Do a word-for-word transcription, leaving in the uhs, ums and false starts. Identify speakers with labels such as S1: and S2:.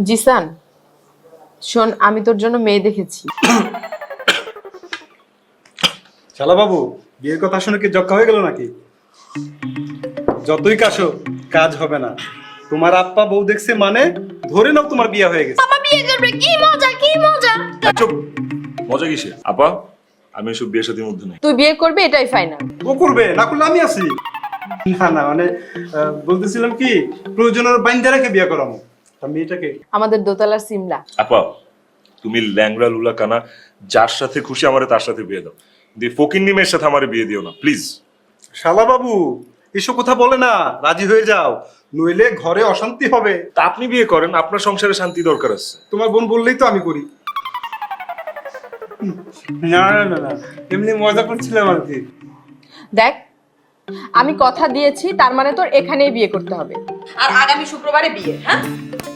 S1: জিসান, শোন, আমি তোর জন্য মেয়ে দেখেছি।
S2: শালা বাবু, বিয়ের কথা শুনে কি জক্কা হয়ে গেল নাকি? যতই কাশো, কাজ হবে না। তোমার আপ্পা বউ দেখছে মানে ধরে নাও তোমার বিয়ে হয়ে গেছে।
S1: বাবা বিয়ে করবে, কি মজা কি মজা।
S3: চুপ, মজা কিসে? আপা, আমি এসব বিয়ে সাথীর মধ্যে নেই।
S1: তুই বিয়ে করবি এটাই ফাইনাল।
S2: ও করবে, না করলে আমি আছি। না না মানে আহ, বলতেছিলাম কি, প্রয়োজনের বাইন্দা রেখে বিয়ে করামো। তা মেয়েটাকে
S1: আমাদের দোতলার সিমলা।
S3: আপা, তুমি ল্যাংড়া লুলা কানা যার সাথে খুশি আমারে তার সাথে বিয়ে দাও, দিয়ে ফকির নিমের সাথে আমারে বিয়ে দিও না প্লিজ।
S2: শালা বাবু এসব কথা বলে না, রাজি হয়ে যাও, নইলে ঘরে অশান্তি হবে।
S3: তা আপনি বিয়ে করেন, আপনার সংসারে শান্তি দরকার আছে।
S2: তোমার বোন বললেই তো আমি করি। না না না না, এমনি মজা করছিলাম আর কি।
S1: দেখ, আমি কথা দিয়েছি, তার মানে তোর এখানেই বিয়ে করতে হবে। আর আগামী শুক্রবারে বিয়ে। হ্যাঁ,